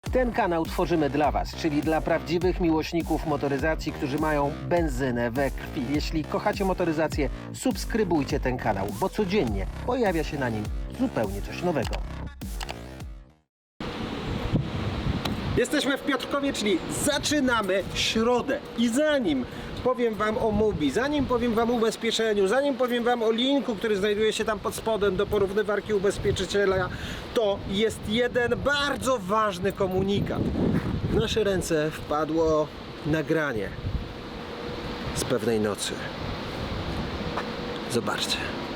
Ten kanał tworzymy dla Was, czyli dla prawdziwych miłośników motoryzacji, którzy mają benzynę we krwi. Jeśli kochacie motoryzację, subskrybujcie ten kanał, bo codziennie pojawia się na nim zupełnie coś nowego. Jesteśmy w Piotrkowie, czyli zaczynamy środę. I zanim powiem Wam o Mubi, zanim powiem Wam o ubezpieczeniu, zanim powiem Wam o linku, który znajduje się tam pod spodem do porównywarki ubezpieczyciela, to jest jeden bardzo ważny komunikat. W nasze ręce wpadło nagranie z pewnej nocy. Zobaczcie.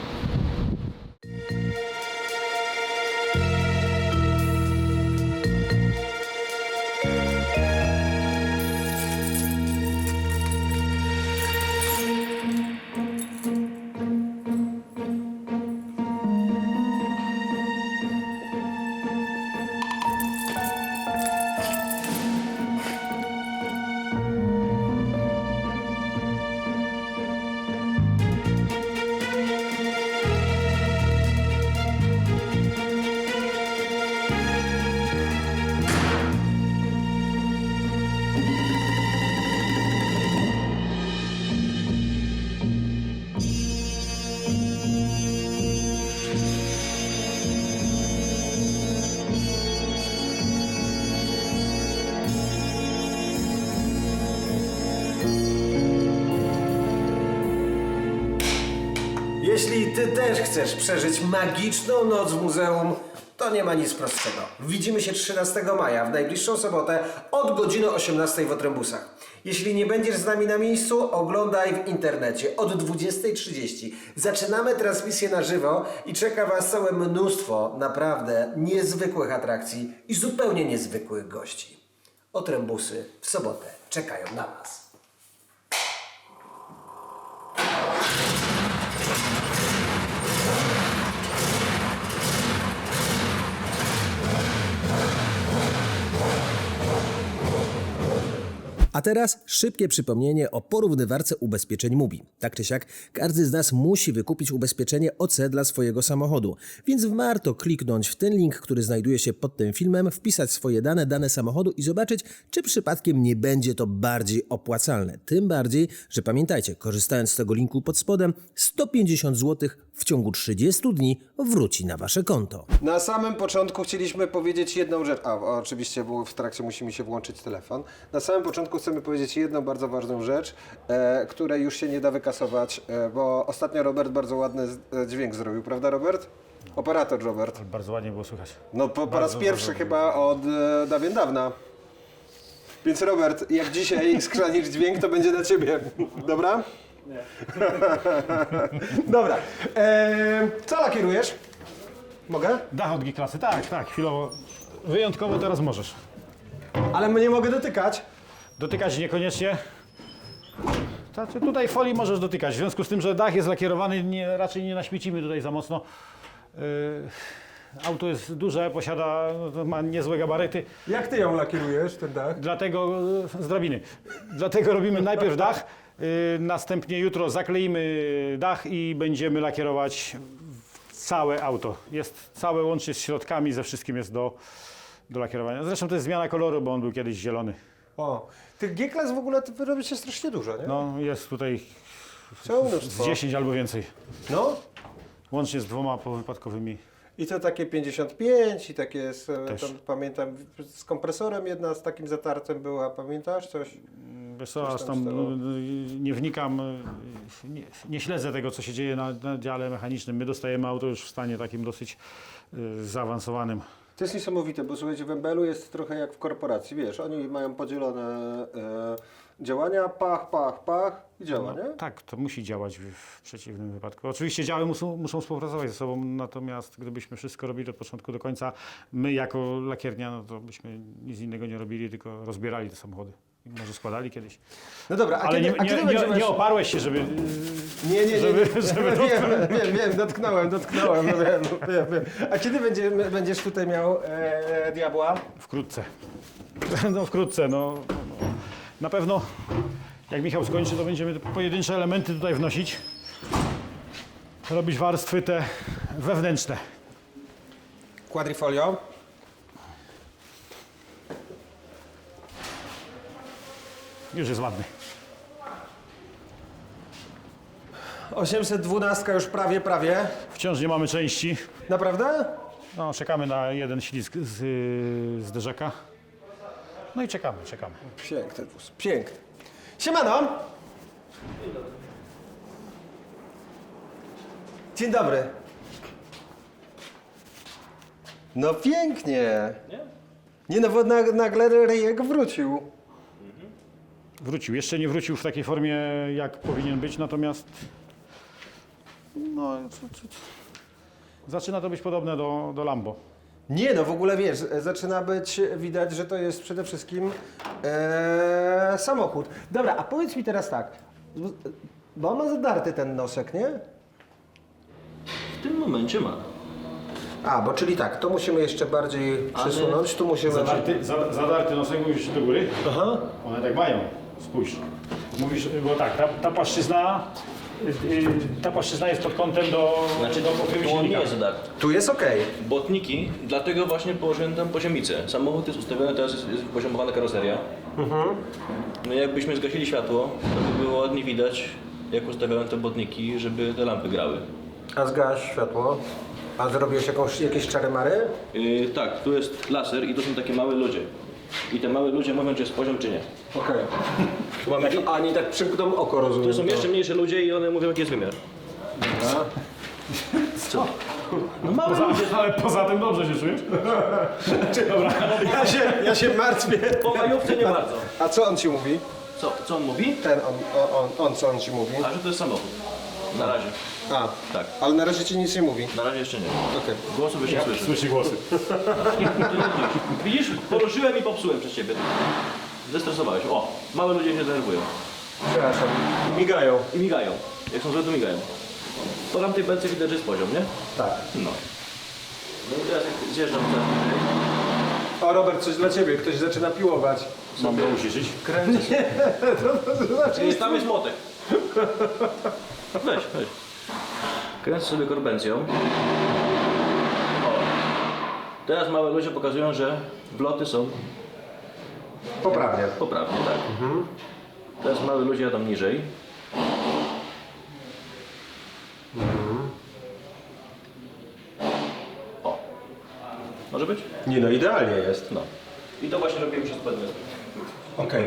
Jeśli Ty też chcesz przeżyć magiczną noc w muzeum, to nie ma nic prostszego. Widzimy się 13 maja, w najbliższą sobotę od godziny 18 w Otrębusach. Jeśli nie będziesz z nami na miejscu, oglądaj w internecie od 20:30. Zaczynamy transmisję na żywo i czeka Was całe mnóstwo naprawdę niezwykłych atrakcji i zupełnie niezwykłych gości. Otrębusy w sobotę czekają na Was. A teraz szybkie przypomnienie o porównywarce ubezpieczeń Mubi. Tak czy siak, każdy z nas musi wykupić ubezpieczenie OC dla swojego samochodu, więc warto kliknąć w ten link, który znajduje się pod tym filmem, wpisać swoje dane samochodu i zobaczyć, czy przypadkiem nie będzie to bardziej opłacalne. Tym bardziej, że pamiętajcie, korzystając z tego linku pod spodem, 150 zł w ciągu 30 dni wróci na Wasze konto. Na samym początku chcieliśmy powiedzieć jedną rzecz. Oczywiście, bo w trakcie musi mi się włączyć telefon. Na samym początku chcemy powiedzieć jedną bardzo ważną rzecz, której już się nie da wykasować, bo ostatnio Robert bardzo ładny dźwięk zrobił, prawda Robert? Operator Robert. Bardzo ładnie było słychać. No po raz pierwszy chyba od dawien dawna. Więc Robert, jak dzisiaj skrzanisz dźwięk, to będzie na Ciebie. Dobra? Nie. Dobra. Co lakierujesz? Mogę? Dach od G-klasy, tak, chwilowo. Wyjątkowo teraz możesz. Ale nie mogę dotykać. Dotykać niekoniecznie. Znaczy, tutaj folii możesz dotykać, w związku z tym, że dach jest lakierowany, raczej nie naśmiecimy tutaj za mocno. Auto jest duże, ma niezłe gabaryty. Jak ty ją lakierujesz, ten dach? Dlatego, z drabiny. Dlatego robimy najpierw dach, następnie jutro zakleimy dach i będziemy lakierować całe auto. Jest całe łącznie z środkami, ze wszystkim jest do lakierowania. Zresztą to jest zmiana koloru, bo on był kiedyś zielony. O, tych G-klas w ogóle wy robicie strasznie dużo, nie? No, jest tutaj Całe z mnóstwo. 10 albo więcej. No. Łącznie z 2 powypadkowymi. I to takie 55 i takie, Też. tam, pamiętam, z kompresorem jedna z takim zatarcem była, pamiętasz coś? Wiesz co, Coś aż tam tam stało. nie wnikam, nie śledzę tego, co się dzieje na dziale mechanicznym. My dostajemy auto już w stanie takim dosyć zaawansowanym. To jest niesamowite, bo słuchajcie, w Embelu jest trochę jak w korporacji, wiesz, oni mają podzielone działania, pach i działa, nie? Tak, to musi działać w przeciwnym wypadku. Oczywiście działy muszą współpracować ze sobą, natomiast gdybyśmy wszystko robili od początku do końca, my jako lakiernia, no to byśmy nic innego nie robili, tylko rozbierali te samochody. Może składali kiedyś. No dobra, Ale nie oparłeś się, żeby... Nie. żeby Wiem, dotknąłem, no wiem. A kiedy będziesz tutaj miał diabła? Wkrótce. No wkrótce, no. Na pewno jak Michał skończy, to będziemy pojedyncze elementy tutaj wnosić. Robić warstwy te wewnętrzne. Quadrifolio. już jest ładny. 812 już prawie. Wciąż nie mamy części. Naprawdę? No, czekamy na jeden ślizg z zderzaka. No i czekamy. Piękny wóz, piękny. Siemano! Dzień dobry. No pięknie. Nie no, bo nagle Rejek wrócił. Wrócił. Jeszcze nie wrócił w takiej formie, jak powinien być, natomiast no, zaczyna to być podobne do Lambo. Nie no, w ogóle wiesz, zaczyna być widać, że to jest przede wszystkim samochód. Dobra, a powiedz mi teraz tak, bo on ma zadarty ten nosek, nie? W tym momencie ma. A, bo czyli tak, to musimy jeszcze bardziej przesunąć, tu musimy... Zadarty nosek, mówisz do góry? Aha. One tak mają. Spójrz. Mówisz, bo tak, ta płaszczyzna jest pod kątem do pokrywy Tu on nie silnika. jest zadarty. Tu jest okej. Botniki, dlatego właśnie położyłem tam poziomicę. Samochód jest ustawiony, teraz jest poziomowana karoseria. No i jakbyśmy zgasili światło, to by było ładnie widać, jak ustawiałem te botniki, żeby te lampy grały. A zgaś światło. A zrobiłeś jakieś czary-mary? Tak, tu jest laser i to są takie małe ludzie. I te małe ludzie mówią, czy jest poziom, czy nie. Okej. Tu mamy A oni tak przymkną oko, rozumiem. Tu są jeszcze mniejsze ludzie i one mówią, jaki jest wymiar. Co? No małe ludzie. Ale poza tym dobrze się czujesz? Dobra. Ja się martwię. Po majówce nie bardzo. A co on ci mówi? Co on mówi? Co on ci mówi? A że to jest samochód. Na razie. A, Tak. ale na razie ci nic nie mówi. Na razie jeszcze nie. Okej. Głosu byś nie słyszał. Słyszy głosy. Widzisz, poruszyłem i popsułem przez ciebie. Zestresowałeś. O, małe ludzie się denerwują. Przepraszam. Migają. I migają. Jak są złe, to migają. Po tamtej belce widać, że jest poziom, nie? Tak. No. No i teraz jak zjeżdżam teraz niżej. O, Robert, coś dla ciebie. Ktoś zaczyna piłować. Mam go uciszyć. Kręcę się. Tam jest młotek. Weź. Kręcę sobie korbencją. O. Teraz małe ludzie pokazują, że wloty są Poprawnie. poprawnie, tak. Teraz małe ludzie jadą niżej. O. Może być? Nie no, idealnie jest. No. I to właśnie robiłem przez pedle. Okej.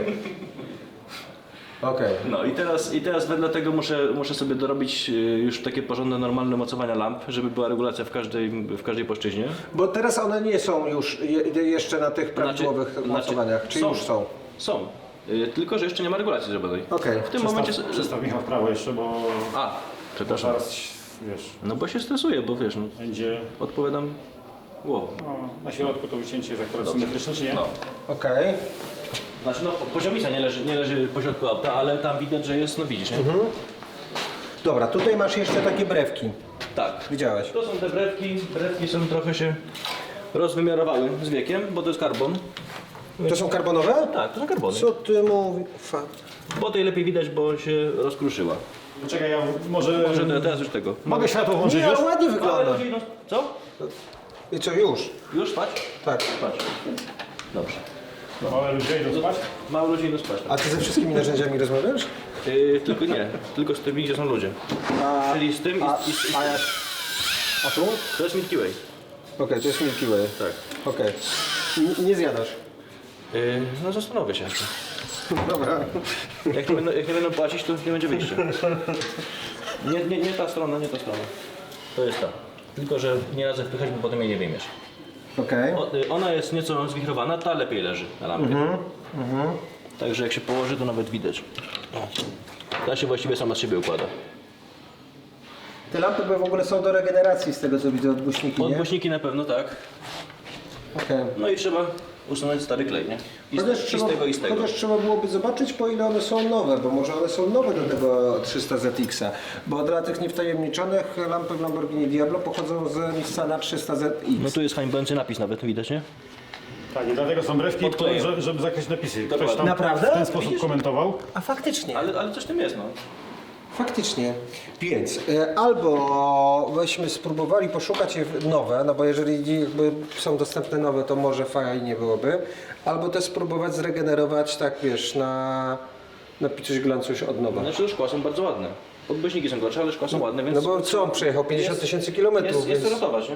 Okej. No i teraz wedle tego muszę sobie dorobić już takie porządne, normalne mocowania lamp, żeby była regulacja w każdej płaszczyźnie. Bo teraz one nie są już jeszcze na tych prawidłowych mocowaniach. Czy już są? Są. Tylko, że jeszcze nie ma regulacji zrobionej. Okej. W tym momencie... Przestaw Michał w prawo jeszcze, bo A, przepraszam. zaraz, wiesz, No bo się stresuję, bo wiesz, no, będzie... odpowiadam głową. No, na środku to wycięcie jest akurat symetryczne, czy nie? No. Okej. Znaczy no, poziomica nie leży pośrodku auta, ale tam widać, że jest, no widzisz, nie? Dobra, tutaj masz jeszcze takie brewki. Tak. Widziałeś? To są te brewki. Brewki są trochę się rozwymiarowały z wiekiem, bo to jest karbon. To są karbonowe? Tak, to są karbony. Co ty mówisz? Bo tej lepiej widać, bo się rozkruszyła. Czekaj, ja może... Może teraz już tego. Mogę światło włączyć Nie, już? ale ładnie Małe wygląda. ludzi, no, co? I co, już? Już spać? Tak. Spać. Dobrze. Małe ludzie idą spać? Małe ludzi idą spać. A ty ze wszystkimi narzędziami rozmawiasz? Tylko nie, tylko z tymi, gdzie są ludzie. Czyli z tym i z A jak? A tu? To jest Milky Way. Okej, to jest Milky Way. Tak. Okej. Nie zjadasz. No zastanowię się jeszcze. Dobra. Jak nie będą płacić, to nie będzie wyjścia. Nie ta strona, nie ta strona. To jest ta. Tylko, że nie radzę wpychać, bo potem jej nie wyjmiesz. Okej. Ona jest nieco zwichrowana, ta lepiej leży na lampie. Także jak się położy, to nawet widać. Ta się właściwie sama z siebie układa. Te lampy w ogóle są do regeneracji z tego co widzę od głośniki, nie? Odgłośniki na pewno tak. Okej. No i trzeba usunąć stary klej, nie? I z tego i z tego. Chociaż trzeba byłoby zobaczyć, po ile one są nowe, bo może one są nowe do tego 300ZX-a. Bo dla tych niewtajemniczonych lampy w Lamborghini Diablo pochodzą z Nissana 300ZX. No tu jest hańbiący napis nawet, widać, nie? Tak, i dlatego są brewki, Podkleję. żeby zakreślić napisy. Ktoś Dokładnie. tam Naprawdę? w ten sposób komentował. A faktycznie. Ale coś w tym jest, no. Faktycznie. Więc albo byśmy spróbowali poszukać je nowe, no bo jeżeli jakby są dostępne nowe, to może fajnie byłoby. Albo też spróbować zregenerować, tak wiesz, na napić coś glancu już od nowa. Znaczy szkła są bardzo ładne. Podbyśniki są gorsze, ale szkła są ładne, więc... No bo co, on przejechał 50 000 kilometrów, Jest więc... to ratować, nie?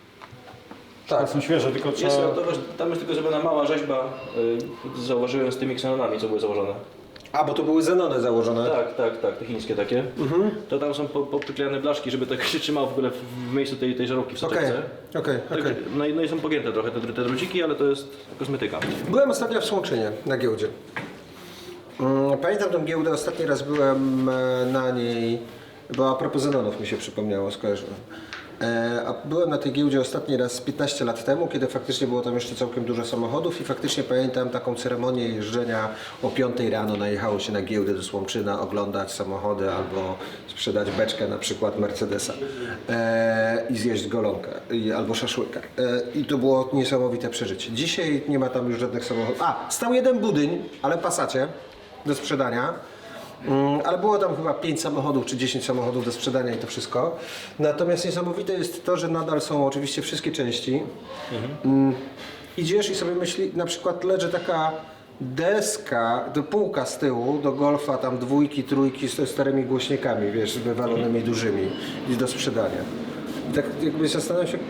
Tak. Są świeże, tylko Jest trzeba... ratować, tam jest tylko zrobiona mała rzeźba, zauważyłem z tymi ksenonami, co były założone. A, bo to były Zenony założone. Tak, te chińskie takie. To tam są popriklejane blaszki, żeby tak się trzymało w ogóle w miejscu tej żarówki w Okej, soczewce. okej. No i są pogięte trochę te druciki, ale to jest kosmetyka. Byłem ostatnio w Słomczynie na giełdzie. Pamiętam tę giełdę, ostatni raz byłem na niej, bo a propos Zenonów mi się przypomniało, skojarzyłem. A byłem na tej giełdzie ostatni raz 15 lat temu, kiedy faktycznie było tam jeszcze całkiem dużo samochodów i faktycznie pamiętam taką ceremonię jeżdżenia o 5 rano, najechało się na giełdę do Słomczyna oglądać samochody albo sprzedać beczkę na przykład Mercedesa i zjeść golonkę albo szaszłyka. I to było niesamowite przeżycie. Dzisiaj nie ma tam już żadnych samochodów. A, stał jeden budyń, ale Passacie do sprzedania. Ale było tam chyba 5 samochodów czy 10 samochodów do sprzedania i to wszystko. Natomiast niesamowite jest to, że nadal są oczywiście wszystkie części. Idziesz i sobie myśli, na przykład leży taka deska, półka z tyłu do Golfa, tam 2, 3 z starymi głośnikami, wiesz, wywalonymi dużymi i do sprzedania. I tak jakby zastanawiam się,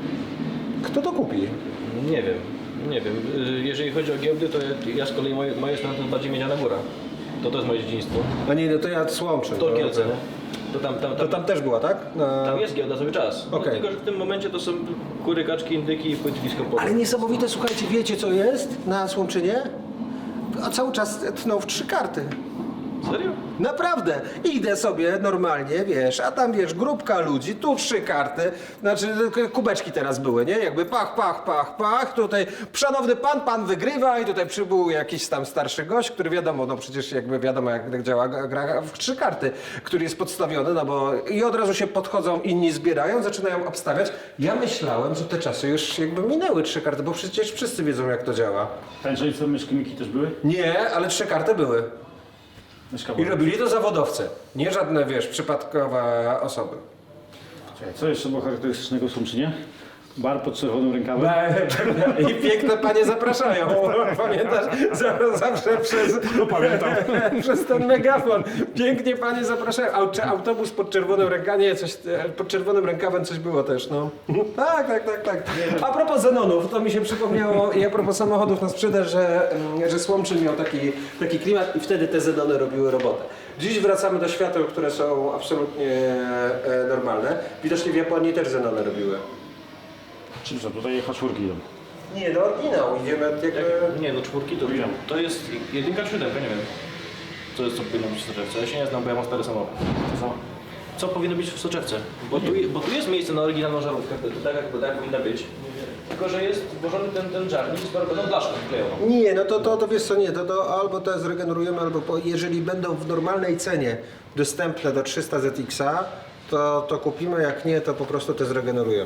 kto to kupi? Nie wiem. Jeżeli chodzi o giełdy, to ja z kolei moje strony to bardziej Miedziana Góra. To jest moje dzieciństwo. A nie, no to ja Słomczyn. To Kielce, nie? To tam też była, tak? Tam jest giełda cały czas. Okej. Tylko, że w tym momencie to są kury, kaczki, indyki i płytwisko pole. Ale niesamowite, słuchajcie, wiecie co jest na Słomczynie? A cały czas tną w 3 karty. Serio? Naprawdę. Idę sobie normalnie, wiesz, a tam wiesz, grupka ludzi, tu 3 karty, znaczy kubeczki teraz były, nie? Jakby pach, tutaj szanowny pan wygrywa i tutaj przybył jakiś tam starszy gość, który wiadomo, no przecież jakby wiadomo jak działa gra w 3 karty, który jest podstawiony, no bo i od razu się podchodzą, inni zbierają, zaczynają obstawiać. Ja myślałem, że te czasy już jakby minęły 3 karty, bo przecież wszyscy wiedzą jak to działa. Tańczyli co myszki Miki też były? Nie, ale 3 karty były. Myszka I była. robili to zawodowcy, nie żadne, wiesz, przypadkowe osoby. Czekaj, co jeszcze było charakterystycznego w Słomczynie? Bar pod czerwonym rękawem. I piękne panie zapraszają. Pamiętasz? Zawsze przez, przez ten megafon. Pięknie panie zapraszają. Autobus pod czerwonym rękawem, nie, coś, pod czerwonym rękawem coś było też, no. Tak. A propos Zenonów, to mi się przypomniało i a propos samochodów na sprzedaż, że Słomczyn miał taki klimat i wtedy te Zenony robiły robotę. Dziś wracamy do świateł, które są absolutnie normalne. Widocznie w Japonii też Zenony robiły. Czym są tutaj H4 idą? Nie, no oryginał, idziemy jakby... Nie, no 4 to jest 1 czy 7, nie wiem. Co powinno być w soczewce? Ja się nie znam, bo ja mam stary samochód. Co powinno być w soczewce? Bo tu jest miejsce na oryginalną żarówkę, tak powinna być. Tylko, że jest włożony ten żarnik z barwną blaszką wklejoną. Nie, no to wiesz co, nie, to albo to zregenerujemy, albo jeżeli będą w normalnej cenie dostępne do 300 ZX-a, to kupimy, jak nie, to po prostu te zregenerujemy.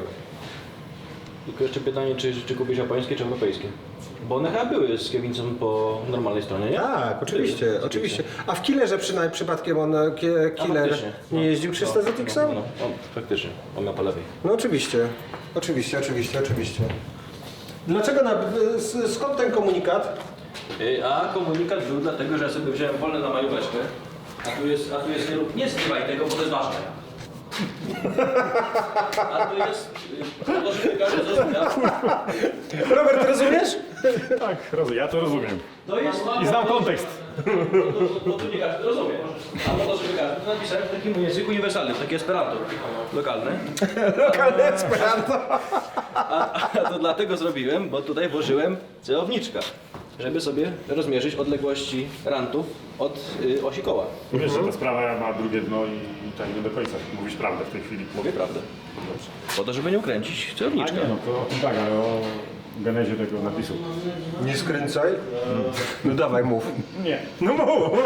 Tylko jeszcze pytanie, czy kupisz japońskie, czy europejskie? Bo one chyba były z kierownicą po normalnej stronie, nie? Tak, oczywiście. A w Killerze przypadkiem Killer faktycznie. nie jeździł 300 ZX-a? No, faktycznie, on miał po lewej. No oczywiście. Dlaczego, skąd ten komunikat? A komunikat był dlatego, że ja sobie wziąłem wolne na majóweczkę, a tu jest nie zrywaj tego, bo to jest ważne. A tu jest, to żeby każdy zrozumiał. Robert, rozumiesz? Tak, ja to rozumiem. To jest, I znam kontekst. to tu nie każdy rozumie. A po to, żeby każdy, to napisałem w takim języku uniwersalnym, takie esperanto lokalne. Lokalne Esperanto. A to dlatego zrobiłem, bo tutaj włożyłem celowniczka, żeby sobie rozmierzyć odległości rantów od osi koła. Wiesz, że ta sprawa ma drugie dno i tak nie do końca mówisz prawdę w tej chwili. Mówię prawdę. Dobrze. Po to, żeby nie ukręcić A celowniczka. nie, no to tak, ale o genezie tego napisu. Nie skręcaj. No dawaj, mów. Nie. No mów.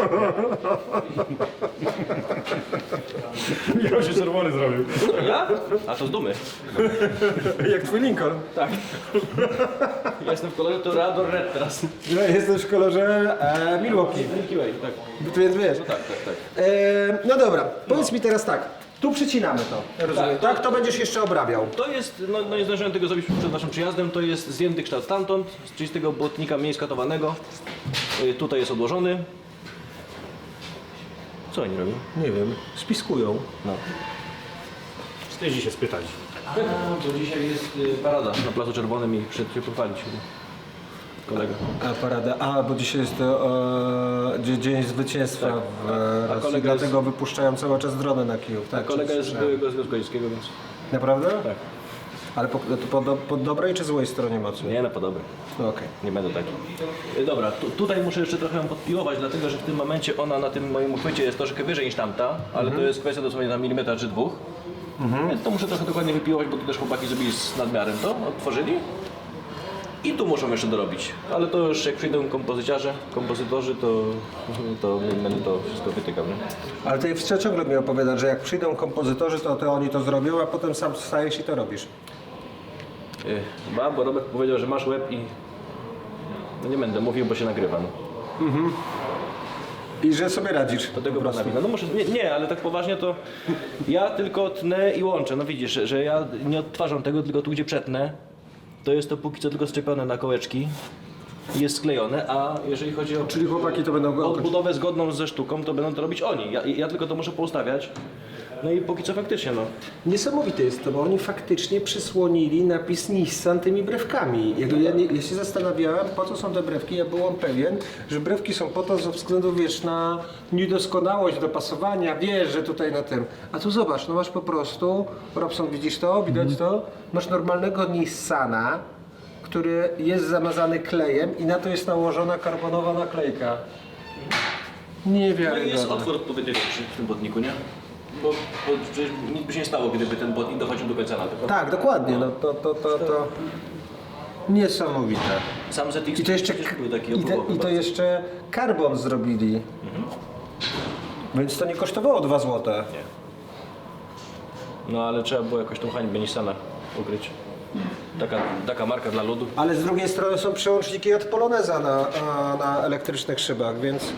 Michał się czerwony zrobił. Ja? A to z dumy. Jak twój Lincoln. Tak. Ja jestem w kolorze Toreador Red teraz. Ja jestem w kolorze Milwaukee. Milky Way, tak. Więc wiesz. Tak. No dobra, powiedz mi teraz tak. Tu przycinamy to, rozumiem, tak? To będziesz jeszcze obrabiał. To jest, no nie zdążyłem tego zrobić przed naszym przyjazdem, to jest zdjęty kształt stamtąd, czyli z tego błotnika mniej skatowanego. Tutaj jest odłożony. Co oni robią? Nie wiem, spiskują. No. Wstydzi się spytać. Bo dzisiaj jest parada na Placu Czerwonym i przed się pochwalić. Kolega. A parada, bo dzisiaj jest Dzień Zwycięstwa w Rosji, kolega dlatego wypuszczają cały czas drony na Kijów. Tak, Kolega jest z słyszałem. byłego Związku Radzieckiego, więc... Naprawdę? Tak. Ale po dobrej czy złej stronie mocy? Nie, no podobny. No, okej. Nie będę taki. Dobra, tutaj muszę jeszcze trochę ją podpiłować, dlatego że w tym momencie ona na tym moim uchwycie jest troszkę wyżej niż tamta, ale to jest kwestia dosłownie na milimetra czy dwóch. Więc to muszę trochę dokładnie wypiłować, bo tu też chłopaki zrobili z nadmiarem to, otworzyli. I tu muszą jeszcze dorobić, ale to już jak przyjdą kompozytorzy, to będę to wszystko wytykał. Nie? Ale ty ciągle mi opowiadasz, że jak przyjdą kompozytorzy, to oni to zrobią, a potem sam wstajesz i to robisz. Bo Robert powiedział, że masz łeb i... No nie będę mówił, bo się nagrywam. I że sobie radzisz. Do tego pana wina. No może, nie, ale tak poważnie to ja tylko tnę i łączę. No widzisz, że ja nie odtwarzam tego, tylko tu gdzie przetnę, to jest to póki co tylko szczepione na kołeczki i jest sklejone, a jeżeli chodzi o Czyli chłopaki to będą go odbudowę zgodną ze sztuką, to będą to robić oni. Ja tylko to muszę poustawiać. No i póki co faktycznie, no. Niesamowite jest to, bo oni faktycznie przysłonili napis Nissan tymi brewkami. Ja się zastanawiałem, po co są te brewki. Ja byłem pewien, że brewki są po to ze względu, wiesz, na niedoskonałość, dopasowania, wiesz, że tutaj na tym. A tu zobacz, no masz po prostu, Robson, widzisz to? Widać to? Masz normalnego Nissana, który jest zamazany klejem i na to jest nałożona karbonowa naklejka. No i jest Niewiarygodne. otwór odpowiednio większy w tym błotniku, nie? Bo przecież nic by się nie stało, gdyby ten błotnik dochodził do końca laty. Tak, dokładnie, no to niesamowite. Sam ZX I to jeszcze, przecież był taki i opływowy to bardzo. jeszcze karbon zrobili. Więc to nie kosztowało 2 zł. No ale trzeba było jakoś tą hańbę Nissana ukryć. Taka marka dla ludu. Ale z drugiej strony są przełączniki od Poloneza na elektrycznych szybach, więc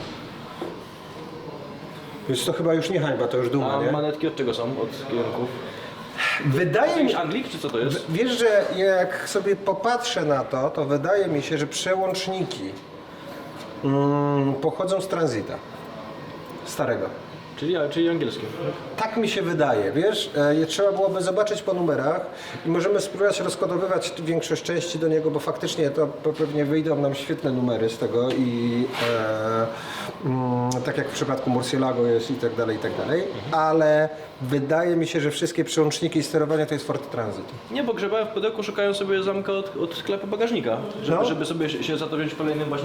to chyba już nie hańba, to już duma, A nie? manetki od czego są? Od kierunków? Wydaje mi Jakiś się, Anglik czy co to jest? wiesz, że jak sobie popatrzę na to wydaje mi się, że przełączniki pochodzą z Transita. Starego. Czyli angielskie. Tak mi się wydaje, wiesz, trzeba byłoby zobaczyć po numerach i możemy spróbować rozkodowywać większość części do niego, bo faktycznie to pewnie wyjdą nam świetne numery z tego i tak jak w przypadku Murcielago jest i tak dalej, ale wydaje mi się, że wszystkie przełączniki i sterowania to jest Ford Transit. Nie, bo grzebałem w pudełku, szukają sobie zamka od sklepu bagażnika, żeby sobie się za to wziąć w kolejnym właśnie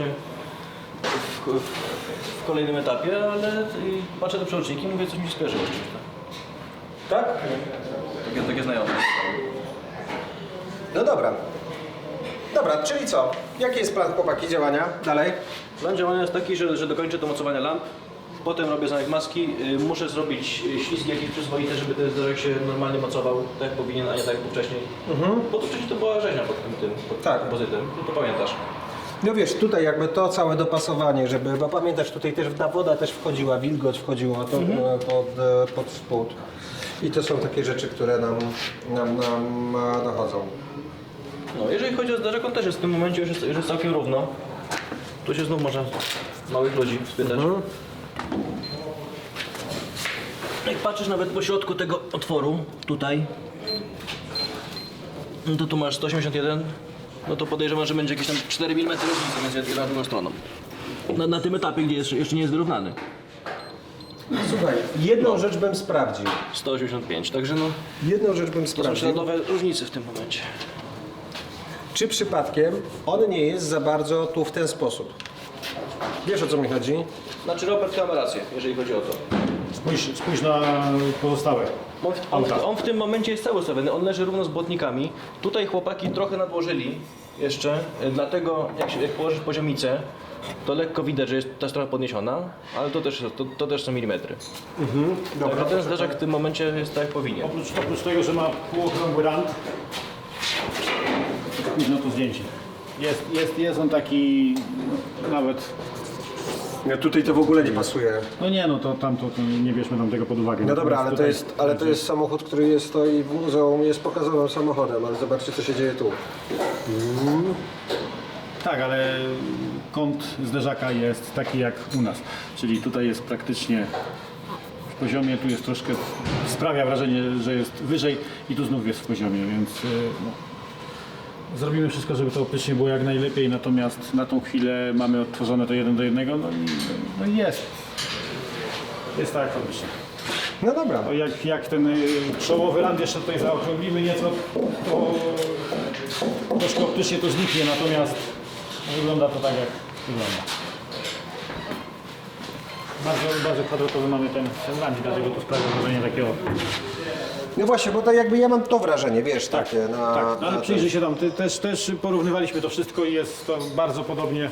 w kolejnym etapie, ale patrzę na przełączniki i mówię, coś mi się skojarzyło z czymś. Tak? Takie znajome. No dobra. Dobra, czyli co? Jaki jest plan, chłopaki, działania dalej? Plan działania jest taki, że dokończę do mocowania lamp, potem robię zamek maski, muszę zrobić ślizgi jakieś przyzwoite, żeby ten zderzak się normalnie mocował, tak jak powinien, a nie tak jak wcześniej. Bo to wcześniej to była rzeźnia pod Tak. kompozytem, to pamiętasz. No wiesz, tutaj jakby to całe dopasowanie, żeby, bo pamiętasz, tutaj też ta woda też wchodziła, wilgoć wchodziła to, pod spód. I to są takie rzeczy, które nam dochodzą. No, jeżeli chodzi o zderzak, on też jest w tym momencie już jest całkiem równo. Tu się znów można małych ludzi spytać. Jak patrzysz nawet po środku tego otworu, tutaj, no to tu masz 181, no to podejrzewam, że będzie jakieś tam 4 mm różnicy między jedną a drugą stroną. Na tym etapie, gdzie jeszcze nie jest wyrównany. Słuchaj, jedną rzecz bym sprawdził. 185, także no, Jedną rzecz bym to są sprawdził. śladowe różnice w tym momencie. Czy przypadkiem on nie jest za bardzo tu w ten sposób? Wiesz, o co mi chodzi? Znaczy Robert ma rację, jeżeli chodzi o to. Spójrz na pozostałe. On w tym momencie jest cały ustawiony, on leży równo z błotnikami. Tutaj chłopaki trochę nadłożyli jeszcze, dlatego jak położysz poziomicę, to lekko widać, że jest ta strona podniesiona, ale to też są milimetry. Także ten zderzak w tym momencie jest tak jak powinien. Oprócz tego, że ma półokrągły rand, spójrz na to zdjęcie. Jest on taki nawet... Ja tutaj to w ogóle nie pasuje. No nie, no to nie bierzmy tam tego pod uwagę. No dobra, ale Natomiast to jest samochód, który stoi w muzeum, jest pokazowym samochodem, ale zobaczcie, co się dzieje tu. Tak, ale kąt zderzaka jest taki jak u nas. Czyli tutaj jest praktycznie poziomie, tu jest troszkę, sprawia wrażenie, że jest wyżej i tu znów jest w poziomie, więc no, zrobimy wszystko, żeby to optycznie było jak najlepiej, natomiast na tą chwilę mamy odtworzone to 1:1, no i jest tak jak optycznie. No dobra. No jak ten czołowy rand jeszcze tutaj zaokrąglimy nieco, to troszkę optycznie to zniknie, natomiast wygląda to tak jak wygląda. Bardzo kwadratowy mamy ten rand, dlatego to sprawia wrażenie takiego. No właśnie, bo to jakby ja mam to wrażenie, wiesz, takie na... Tak, no ale na przyjrzyj się tam, też porównywaliśmy to wszystko i jest to bardzo podobnie.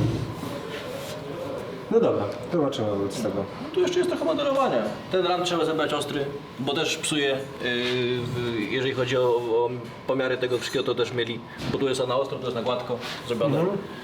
No dobra, zobaczymy z tego. Tu jeszcze jest trochę modelowania. Ten rand trzeba zebrać ostry, bo też psuje, jeżeli chodzi o pomiary tego wszystkiego, to też mieli, bo tu jest na ostro, tu jest na gładko zrobione.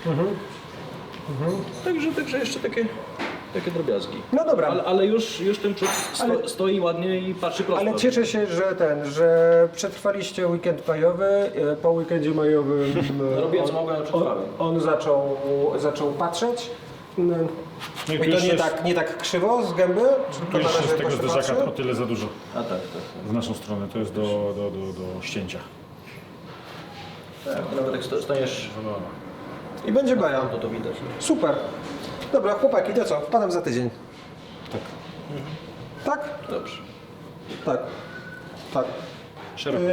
Także jeszcze takie drobiazgi. No dobra. Ale już ten przód stoi ładnie i patrzy prosto. Ale cieszę się, że przetrwaliście weekend majowy. Po weekendzie majowym Robię co mogłem, ale przetrwałem. on zaczął patrzeć. No I to nie tak krzywo z gęby? Tylko Już na razie jest tego jakoś zderzaka patrzy? o tyle za dużo Tak. w naszą stronę, to jest do ścięcia. Tak, nawet jak staniesz, I będzie baja. to widać. Super. Dobra, chłopaki, to co? Wpadam za tydzień. Tak. Tak? Dobrze. Tak. Szeroko.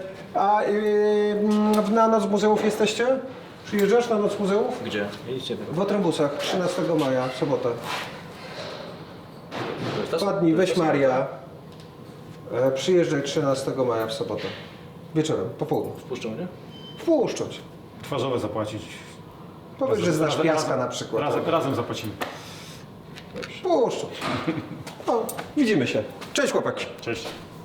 Na Noc Muzeów jesteście? Przyjeżdżasz na Noc Muzeów? Gdzie? Idźcie. W Otrębusach, 13 maja, w sobotę. To jest ta- 2 dni, weź Maria. Przyjeżdżaj 13 maja w sobotę. Wieczorem, po południu. Wpuszczą mnie? Wpuszczać. Twarzowe zapłacić. Powiedz, że znasz Piaska na przykład. Razem zapłacimy. Wpuszczać. No, widzimy się. Cześć chłopaki. Cześć.